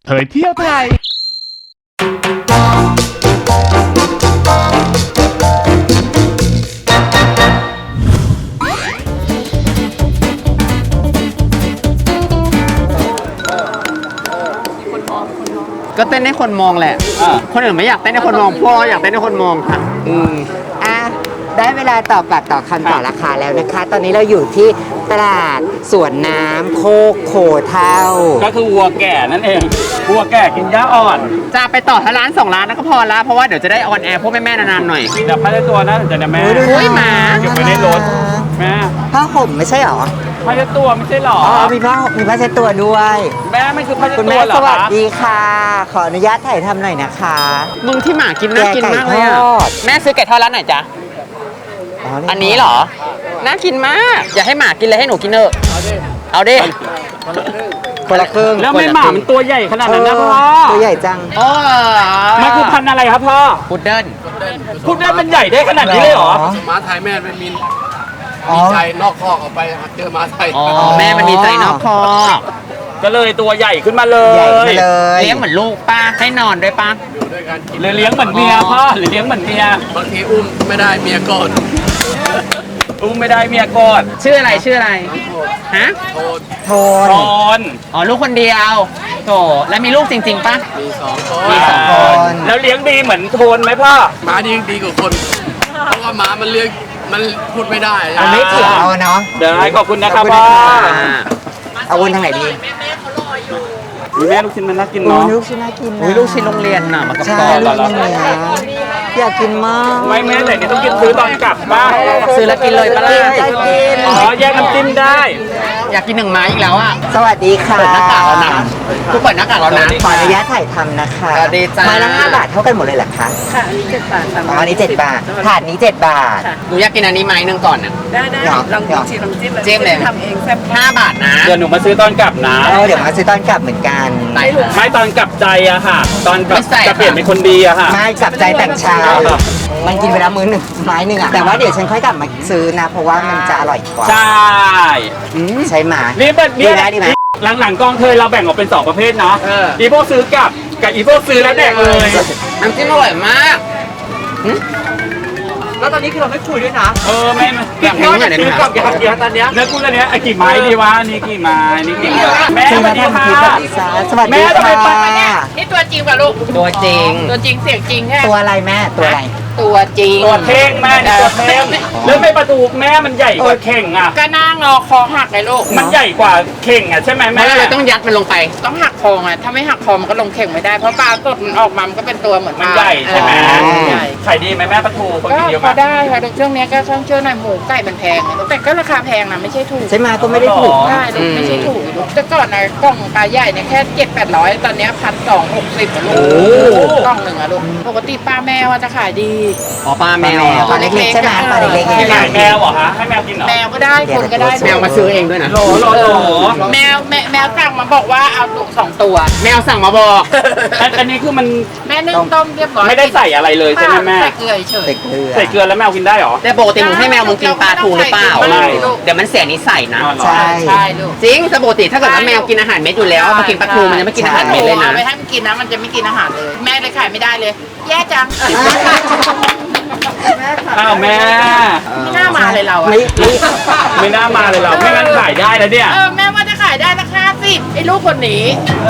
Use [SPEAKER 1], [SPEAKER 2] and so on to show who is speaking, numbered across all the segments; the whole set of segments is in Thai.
[SPEAKER 1] เผยเที่ยวไทย
[SPEAKER 2] ก็เต้นให้คนมองแหละคนอื่นไม่อยากเต้นให้คนมองพวกเราอยากเต้นให้คนมองค่ะ
[SPEAKER 3] อ่ะได้เวลาตอบปากต่อคำต่อราคาแล้วนะคะ ตอนนี้เราอยู่ที่ตลาดสวนน้ำโคกโขเท่า
[SPEAKER 4] ก็คือวัวแก่นั่นเองวัวแก่กินหญ้าอ่อน
[SPEAKER 2] จะไปต่อทั้งร้าน2 ร้านแล้วก็พอละเพราะว่าเดี๋ยวจะได้ออนแอร์พวกแม่ๆนานๆหน่อย
[SPEAKER 4] แต่ผ้าในตัวนะจะเนี่ยแม่
[SPEAKER 2] หมา
[SPEAKER 4] เก็บไว้ในรถแม่
[SPEAKER 3] ผ้าห่มไม่ใช่หรอ
[SPEAKER 4] ผ้าในตัวไม่ใช่หรอ
[SPEAKER 3] มีผ้าเช็ดตัวด้วย
[SPEAKER 4] แม่ไม่คือผ้าในตัว
[SPEAKER 3] คุณแม่สวัสดีค่ะขออนุญาตถ่ายทำหน่อยนะคะ
[SPEAKER 2] มึงที่หมากินน่ากินมากเลยอ่ะแม่ซื้อไก่ทอดร้านไหนจ๊ะอันนี้เหรอน่ากินมากอยากให้หมากินเลยให้หนูกินเนอะเอาดิ
[SPEAKER 3] คนละครึ่ง
[SPEAKER 4] แล้วไม่หมามันตัวใหญ่ขนาดนั้นนะพ่อ
[SPEAKER 3] ตัวใหญ่จัง
[SPEAKER 4] มันคือพันธุ์อะไรครับพ่อ
[SPEAKER 2] พุดเดิ้ล
[SPEAKER 4] มันใหญ่ได้ขนาดนี้เลยเหรอ
[SPEAKER 5] ม้าไทยแม่เป็นมีใจนอกคอกออกไปเจอม้าไทย
[SPEAKER 2] แม่มันมีใจนอกคอก
[SPEAKER 4] ก็เลยตัวใหญ่ขึ้นมาเลย
[SPEAKER 3] เ
[SPEAKER 2] ลี้ยงเหมือนลูกป้าให้นอนด้วยป้า
[SPEAKER 5] ด้วยกันกิน
[SPEAKER 4] เลยเลี้ยงเหมือนเมียพ่อหรือเลี้ยงเหมือนเมีย
[SPEAKER 5] บางทีอุ้มไม่ได้เมียก่อน
[SPEAKER 4] อุ้มไม่ได้เมียก่อน
[SPEAKER 2] ชื่ออะไรฮะ
[SPEAKER 3] โทน
[SPEAKER 2] ลูกคนเดียวโถแล้วมีลูกจริงๆป่ะ
[SPEAKER 5] มี2 คน
[SPEAKER 4] แล้วเลี้ยงดีเหมือนโทนไหมพ่อ
[SPEAKER 5] ม้าดีกว่าคนเพราะว่าม้ามันเลี้ยงมันพูดไม่ได้
[SPEAKER 3] ไม่เกี่ยวเนาะ
[SPEAKER 4] ได้ขอบคุณนะครับพ่อ
[SPEAKER 3] เอาวนทางไหนดี
[SPEAKER 4] แม่ลูกชิ้นมันน่ากินเนาะ
[SPEAKER 3] ลูกชิ้นน่ากินนะ
[SPEAKER 2] ลูกชิ้นโรงเรียนน่ะมันกับ
[SPEAKER 3] กรอบอยากกินมาก
[SPEAKER 4] ไม่แม่แต่นี่ต้องกินซื้อตอนกลับบ้าน
[SPEAKER 2] ซื้อแล้วกินเลยปะล่ะ
[SPEAKER 4] แยกน้ำจิ้มได้
[SPEAKER 2] อยากกิน1 ไม้อีกแล้วอ่ะ
[SPEAKER 3] สวัสดีค่ะ
[SPEAKER 2] เปิดหน้ากากแล้วนะทุกเปิดหน้ากากแล้วนะ
[SPEAKER 3] ขออนุญาตถ่ายทำนะคะ
[SPEAKER 2] ดีจ้า
[SPEAKER 3] ไม้ละ5 บาทเท่ากันหมดเลยเหรอคะ
[SPEAKER 6] ค่ะอันนี้7 บาท
[SPEAKER 3] อันนี้7 บาทถาดนี้7 บาท
[SPEAKER 2] หนูอยากกินอันนี้ไม้นึงก่อนน่ะ
[SPEAKER 6] ได้ลองจิ้มเลย
[SPEAKER 2] ทำเองแซ่บ5 บาทนะ
[SPEAKER 4] เดี๋ยวหนูมาซื้อตอนกลับนะ
[SPEAKER 3] เดี๋ยวมาซื้อตอนกลับเหมือนกัน
[SPEAKER 4] ไม่ตอนกลับใจอะค่ะตอนกลับจะเปลี่ยนเป็นคนดีอะค่ะ
[SPEAKER 3] ไม่กลับใจแต่งชามันกินไปแล้วมื้อ1 ไม้นึงอะแต่ว่าเดี๋ยวฉันค่อยกลับมาซื้อนะเพราะว่ามันจะอร่อยกว่า
[SPEAKER 4] ใช่
[SPEAKER 3] ใช่หมา
[SPEAKER 4] ดีไหมหลังๆกองเทยเราแบ่งออกเป็น2 ประเภทเนาะอีพวกซื้อกลับกับอีพวกซื้อแล้วแดกเลย
[SPEAKER 2] น้ำจิ้มอร่อยมาก
[SPEAKER 6] แล้วตอนนี้คือเราไม่คุยด้วยนะ
[SPEAKER 4] ไม่
[SPEAKER 2] อยากกินอะไร
[SPEAKER 4] ซื้อกลับอยากกินตอนนี้แล้วคุณตอนนี้กี่ไม้ดีวะนี่กี่ไม้นี่กี่แม่สวัสดีค่ะ
[SPEAKER 3] สวัสดีค่ะ
[SPEAKER 6] นี่ตัวจริงป่ะลูก
[SPEAKER 2] ตัวจริง
[SPEAKER 6] เสียงจริงแค่
[SPEAKER 3] ตัวอะไรแม่ตัวอะไร
[SPEAKER 2] ตัวจริง
[SPEAKER 4] ตัวเท่งแม่ตัวเท่งแล้วไม่ประตูแม่มันใหญ่กว่าเข่งอ่ะ
[SPEAKER 6] ก็น่างอคอหักเลยลูก
[SPEAKER 4] มันใหญ่กว่าเข่งอ่ะใช่ไหมแม่
[SPEAKER 2] เลยต้องยัดมันลงไป
[SPEAKER 6] ต้องหักคออ่ะถ้าไม่หักคอมันก็ลงเข่งไม่ได้เพราะปลาสดมันออกมามันก็เป็นตัวเหมือน
[SPEAKER 4] มันใหญ่ใช่ไหมใหญ่ขายดีไหมแม่ประตูคนกินเยอะมาก
[SPEAKER 6] ได้ค่ะช่วงนี้ก็ช่วงเชื่อหน่อยหมูไก่มันแพงแต่ก็ราคาแพงนะไม่ใช่ถูก
[SPEAKER 3] ใช่ไหมก็ไม่ได้ถูก
[SPEAKER 6] ใช่ไม่ใช่ถูกแต่ก่อนนะกล่องปลาใหญ่เนี่ยแค่700-800ตอนนี้1,260ลูกกล่องหนึ่งอะลูกปกติป้าแม่ว่าจะขายดี
[SPEAKER 2] ป้าแมว
[SPEAKER 3] ปลาเล็กๆใช่ไหมปลาเล็กๆ
[SPEAKER 4] ให้แมวเหรอฮะให้แมวกินเหรอ
[SPEAKER 6] แมวก็ได้คนก็ได้
[SPEAKER 2] แมวมาซื้อเองด้วยนะ
[SPEAKER 6] แมวสั่งมาบอกว่าเอา2 ตัว
[SPEAKER 2] แมวสั่งมาบอก
[SPEAKER 4] อันนี้คือมัน
[SPEAKER 6] แม่นึ่งต้มเรียบร้อย
[SPEAKER 4] ไม่ได้ใส่อะไรเลยใช่ไหมแม่
[SPEAKER 6] ใส่เกลือเฉย
[SPEAKER 4] ใส่เกลือแล้วแมวกินได้หรอ
[SPEAKER 2] แต่ปกติมึงให้แมวมึงกินปลาทูหรือเปล่าเดี๋ยวมันเสียนิสัยนะ
[SPEAKER 6] ใช่ลูก
[SPEAKER 2] จริงปกติถ้าเกิดว่าแมวกินอาหารเม็ดอยู่แล้วมากินปลาทูมันจะไม่กินอาหารเม็ดเลยนะ
[SPEAKER 6] ไม่ให้มันกินนะมันจะไม่กินอาหารเลยแม่เลยขายไม่ได้เลยแย่จัง
[SPEAKER 4] อ้าวแม่
[SPEAKER 6] ไม่น่ามาเลยเรา
[SPEAKER 4] ไม่น่ามาเลยเราไม่งั้นขายได้แล้วเนี่ย
[SPEAKER 6] แม่ว่าจะขายได้ราคา10ไอ้ลูกคนนี้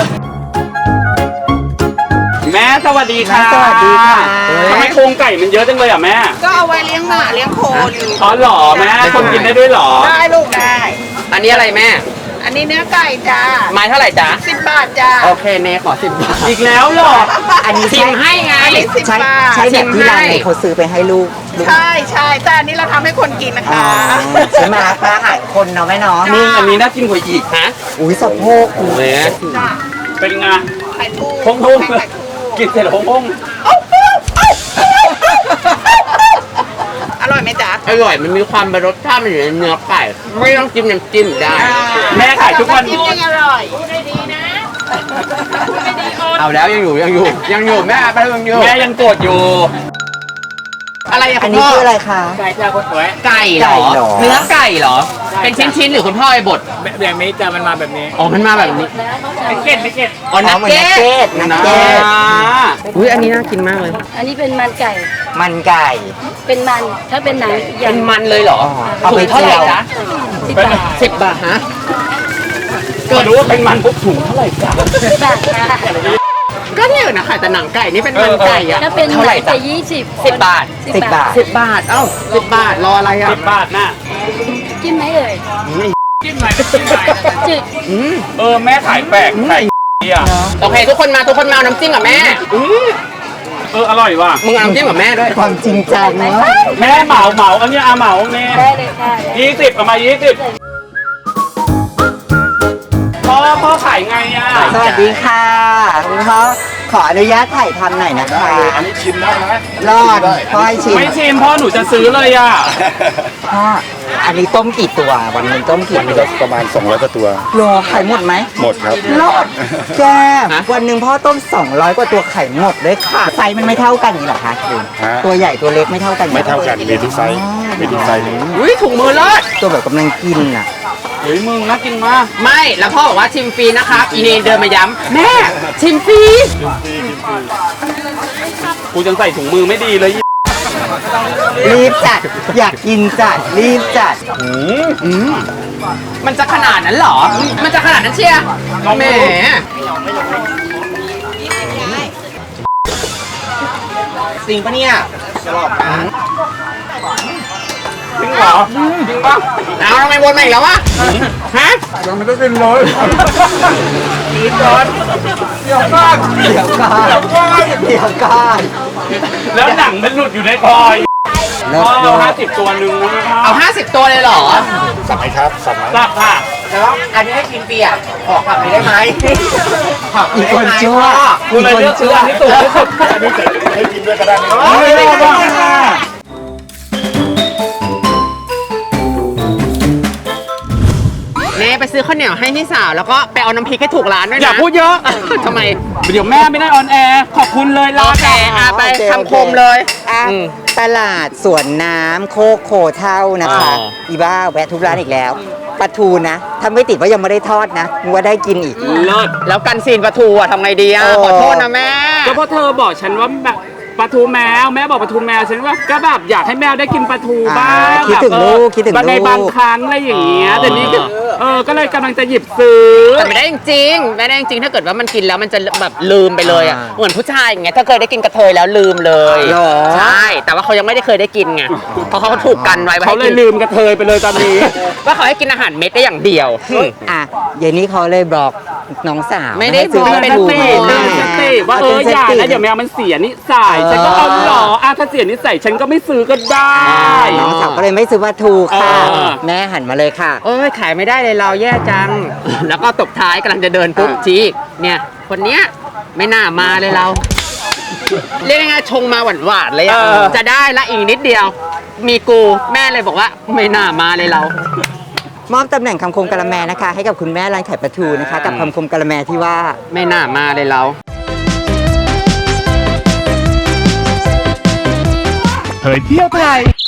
[SPEAKER 4] แม่สวัสดีค่ะ
[SPEAKER 3] สวัสดีค่ะ
[SPEAKER 4] ทำไมโครงไก่มันเยอะจังเลยอ่ะแม่
[SPEAKER 6] ก็เอาไว้เลี้ยงหมาเลี้ยงโค
[SPEAKER 4] อ๋อหรอแม่คนกินได้ด้วยหรอ
[SPEAKER 6] ได้ลูกได้
[SPEAKER 2] อันนี้อะไรแม่
[SPEAKER 6] อันนี้เนื้อไก่จ้า
[SPEAKER 2] ไม้เท่าไหร่จ้า
[SPEAKER 6] 10 บาทจ้า
[SPEAKER 2] โอเคเนขอ10 บาท
[SPEAKER 4] อีกแล้วหรอ
[SPEAKER 3] อันนี้
[SPEAKER 2] ชิมให้ไง
[SPEAKER 3] ใช่แบบที่ร้านไหนเขาซื้อไปให้ลูก
[SPEAKER 6] ใช่แต่อันนี้เราทำให้คนกินนะคะ
[SPEAKER 3] ใช่ไหมอาหารคนเนาะแม่เนาะ
[SPEAKER 4] นี่อันนี้น่ากินกว่าอีกฮะ
[SPEAKER 3] อุ้ยสะโพก
[SPEAKER 2] เลย
[SPEAKER 4] เป็นไง
[SPEAKER 6] ไข่ทู
[SPEAKER 4] พงกินเสร็จพง
[SPEAKER 6] อร่อยไหมจ๊ะ
[SPEAKER 2] อร่อยมันมีความเป็นรสชาติมันอยู่ในเนื้อไก่ไม่ต้องจิ้มน้ำจิ้มได้
[SPEAKER 4] แม่ขายทุกวัน
[SPEAKER 6] จิ้มยังอร่อยพูดได้ดีนะพูดได้ดี
[SPEAKER 2] เอาแล้วยังอยู่แม่ไปยังอยู่
[SPEAKER 4] แม่ยังโกรธอยู่
[SPEAKER 2] อะไร
[SPEAKER 3] อันนี้คืออะไรคะ
[SPEAKER 4] ไก่จ้าคนสวย
[SPEAKER 2] ไก่เหรอเนื้อไก่เหรอเป็นชิ้นๆหรือคุณพ่อไอ้บด
[SPEAKER 4] แบบนี้จะมันมาแบบนี้
[SPEAKER 2] อ๋อมันมาแบบนี้
[SPEAKER 4] ไม่เก็ตไม่เก็ต
[SPEAKER 2] อ๋อนัก
[SPEAKER 3] เหมือน
[SPEAKER 2] เก็ต
[SPEAKER 3] นักเก็ต
[SPEAKER 2] อุ้ยอันนี้น่ากินมากเลย
[SPEAKER 1] อันนี้เป็นมันไก่
[SPEAKER 3] มันไก่
[SPEAKER 1] เป็นมัน ถ้าเป็นหนังอีกอ
[SPEAKER 2] เป็
[SPEAKER 1] ย่าง
[SPEAKER 2] นมันเลยเหรอ
[SPEAKER 3] เอาไป
[SPEAKER 2] ถุงเท่าไหร่
[SPEAKER 3] เจียว
[SPEAKER 2] จ๊ะ
[SPEAKER 1] 10 บาท
[SPEAKER 2] 10 บาทฮะ
[SPEAKER 4] ก็รู้ว่าเป็นมันปุ๊บถุงเท่าไหร่จ้ะ
[SPEAKER 1] 10 บาทค่ะ
[SPEAKER 2] ก็เนี่ยนะขายแต่หนังไก่นี่เป็นมันไก่อะ
[SPEAKER 1] ถ้าเป็นห
[SPEAKER 2] เท่าไห
[SPEAKER 1] นั
[SPEAKER 2] ร่
[SPEAKER 1] ง
[SPEAKER 2] จ๊ะ
[SPEAKER 1] จะ20
[SPEAKER 2] 10 บาท
[SPEAKER 3] 10 บาท
[SPEAKER 2] 10 บาท เอ้า10 บาท รออะไรอ่ะ
[SPEAKER 4] 10 บาทน่ะ
[SPEAKER 1] จิ้มไหมเอ่ย
[SPEAKER 4] จิ้มหน่อยจิ้มหน่อย
[SPEAKER 1] จืด
[SPEAKER 4] แม่ขายแปลกขายอ่ะ
[SPEAKER 2] โอเค ทุกคนมาเอาน้ำจิ้มกับแม่
[SPEAKER 4] อร่อยว่ะ
[SPEAKER 2] มึงเอาน้ำจิ้มกับแม่ด้วย
[SPEAKER 3] ความจริงจังเนาะ
[SPEAKER 4] แม่เหมาอันนี้เหมาแม่
[SPEAKER 1] ได้เลยค่ะ
[SPEAKER 4] 20เอามา20พ่อขายไงอ่ะ
[SPEAKER 3] สวัสดีค่ะคุณพ่อขออนุญาตถ่ายทำหน่อยนะคะ
[SPEAKER 5] อันนี้ชิมได้ไหม
[SPEAKER 3] รอดพ่อให้ชิม
[SPEAKER 4] ไม่ชิมพ่อหนูจะซื้อเลยอ่ะ
[SPEAKER 3] พ่ออันนี้ต้มกี่ตัววันหนึงต้มกี่
[SPEAKER 5] นี่
[SPEAKER 3] ตัว
[SPEAKER 5] ก็ประมาณ200กว่าตัว
[SPEAKER 3] โลไข่หมดไหม
[SPEAKER 5] หมดครับ
[SPEAKER 3] รอดแกวันหนึ่งพ่อต้ม200กว่าตัวไข่หมดเลยค่ะไซส์มันไม่เท่ากันนี่เหรอคะคุณ
[SPEAKER 5] ฮะ
[SPEAKER 3] ตัวใหญ่ตัวเล็กไม่เท่ากัน
[SPEAKER 5] ไม่เท่ากัน มีทุกไซส์ มีทุกไซส์เลย
[SPEAKER 2] อุ้ยถุงมือเลิศ
[SPEAKER 3] ตัวแบบกำลังกินอ่ะ
[SPEAKER 4] เฮ้ยมึงน่ากินมาก
[SPEAKER 2] ไม่ แล้วพ่อบอกว่าชิมฟรีนะครับ อีเนนเดินมาย้ำแม่ ชิมฟรี
[SPEAKER 4] กูยังใส่ถุงมือไม่ดีเลย
[SPEAKER 3] รีบจัดอยากกินจัดรีบจัด
[SPEAKER 2] มันจะขนาดนั้นเหรอ มันจะขนาดนั้นเชียร์แหม
[SPEAKER 3] จริงปะเนี่ย
[SPEAKER 4] จริงเหรอ
[SPEAKER 2] จริงปะเอาทำไมวนมาอีกแล้ววะ ฮะ
[SPEAKER 3] เดี๋ยวก่อนเดี๋ยวก่อน
[SPEAKER 4] แล้วหนังมันหลุดอยู่ในคอย
[SPEAKER 3] แล้ว
[SPEAKER 4] พ่อ50 ตัวหนึ่งนะครับ
[SPEAKER 2] เอา 50 ตัวเลยเหรอ
[SPEAKER 5] สั่งไหมครับ สั่งไหม
[SPEAKER 4] สับค่ะ
[SPEAKER 3] แล้วอันนี้ให้กินเปียกขอกลับไปได้ไหมอีกคนชั่ว
[SPEAKER 4] กูเลยเลือกซื้ออันที่ถูกที่สุด
[SPEAKER 5] อันนี้จะให้กินด้วยก็ได้ไหม
[SPEAKER 4] ไม่ได้ค่ะ
[SPEAKER 2] เน่ไปซื้อข้าวเหนียวให้พี่สาว แล้วก็ไปเอาน้ำพริกให้ถูกร้านด้วยนะ
[SPEAKER 4] อย่าพูดเยอะ
[SPEAKER 2] ทำไม
[SPEAKER 4] เดี๋ยวแม่ไม่ได้ออนแอร์ขอบคุณเลย
[SPEAKER 2] โอ
[SPEAKER 4] ลา
[SPEAKER 2] เคไปคำคมเลย
[SPEAKER 3] อ่ะ
[SPEAKER 2] อืม
[SPEAKER 3] ตลาดสวนน้ำโคกโคเท่านะคะ
[SPEAKER 2] อ๋อ
[SPEAKER 3] อีบ้าแวะทุกร้านอีกแล้วปลาทูนะถ้าไม่ติดว่ายังไม่ได้ทอดนะมึงว่าได้กินอีก
[SPEAKER 4] เลิศ
[SPEAKER 2] แล้วกันซีนปลาทูอะทำไงดีอะ
[SPEAKER 3] โอ้
[SPEAKER 2] ขอโทษนะแม่
[SPEAKER 4] ก็เพราะเธอบอกฉันว่าแบบปลาทูแมวแม่บอกปลาทูแมวฉันว่าก็แบบอยากให้แมวได้กินปลาทูบ้าง
[SPEAKER 3] คิดถึง
[SPEAKER 4] แบบ
[SPEAKER 3] ลูกคิดถึง
[SPEAKER 4] ใน
[SPEAKER 3] ลูก
[SPEAKER 4] บางครั้งอะไรอย่างเงี้ย
[SPEAKER 2] อ๋อ
[SPEAKER 4] แต่นี่ก็ก็เลยกำลังจะหยิบซื้อ
[SPEAKER 2] แต่ไม่ได้จริงๆไม่ได้จริงๆถ้าเกิดว่ามันกินแล้วมันจะแบบลืมไปเลยอะ
[SPEAKER 3] อ่า
[SPEAKER 2] เหมือนผู้ชายอย่างเงี้ยถ้าเคยได้กินกระเทยแล้วลืมเลย
[SPEAKER 3] หรอ
[SPEAKER 2] ใช่ แต่ว่าเขายังไม่ได้เคยได้กินไงเพราะเขาถูกกันไว้
[SPEAKER 4] เขาเลยลืมกระเทยไปเลยตอนนี้
[SPEAKER 2] ว่าเขาให้กินอาหารเม็ดได้อย่างเดียว
[SPEAKER 3] อ่ะเย็นนี้เขาเลยบอกน้องสาว
[SPEAKER 2] ไม่ได้
[SPEAKER 3] ให้ซื้
[SPEAKER 2] บอก
[SPEAKER 3] ป
[SPEAKER 2] เป็
[SPEAKER 3] ลาน ทู
[SPEAKER 2] ห่วง
[SPEAKER 3] มา
[SPEAKER 4] สติว่าอย่านะเดี๋ยวแมวมันเสียนิสัยฉันก็เอาหรอถ้าเสียนิสัยฉันก็ไม่ซื้อก็ได้
[SPEAKER 3] น้องสาวก็เลยไม่ซื้อปลาทูค่ะ
[SPEAKER 4] เออ
[SPEAKER 3] แม่หันมาเลยค่ะ
[SPEAKER 2] เอ้ยขายไม่ได้เลยเราแย่จัง แล้วก็ตบท้ายกำลังจะเดินปุ๊บชี้เนี่ย คนเนี้ยไม่น่ามาเลยเรา เรียกง่ายๆชงมาหวานๆเลยอะจะได้ละอีกนิดเดียว มีกูแม่เลยบอกว่าไม่น่ามาเลยเรา
[SPEAKER 3] มอบตำแหน่งคำคมกะละแมนะคะ ให้กับคุณแม่ร้านขายปลาทูนะคะ กับคำคมกะละแมที่ว่า
[SPEAKER 2] ไม่น่ามาเลยเรา
[SPEAKER 7] เผยเที่ยวไทย